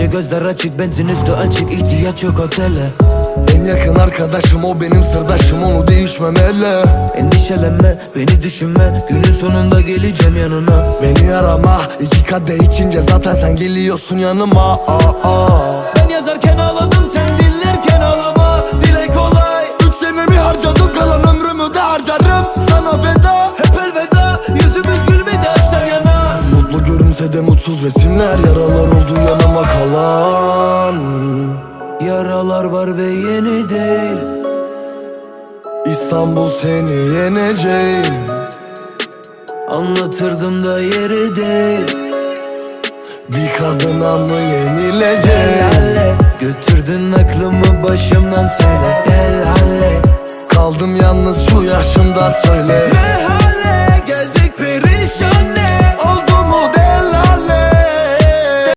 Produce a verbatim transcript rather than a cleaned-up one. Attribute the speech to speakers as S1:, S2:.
S1: gözler açık, benzin üstü açık, ihtiyaç yok otele.
S2: En yakın arkadaşım o benim sırdaşım, onu değişmemeli.
S1: Endişelenme, beni düşünme, günün sonunda geleceğim yanına.
S2: Beni arama, iki kadeh içince zaten sen geliyorsun yanıma. Aa, aa.
S1: Ben yazarken ağladım, sen dinlerken ağlama. Dile kolay.
S2: Üç senemi harcadım, kalan ömrümü de harcarım sana feda.
S1: Hep elveda, yüzümüz gülmedi açtan yana.
S2: Mutlu görünse de mutsuz resimler, yaralar oldu yanıma kalan.
S1: Yaralar var ve yeni değil.
S2: İstanbul seni yeneceğim.
S1: Anlatırdım da yeri değil.
S2: Bir kadına mı yenileceğim?
S1: Helalle, götürdün aklımı başımdan, söyle helalle.
S2: Kaldım yalnız şu yaşımda, söyle
S1: Ne hal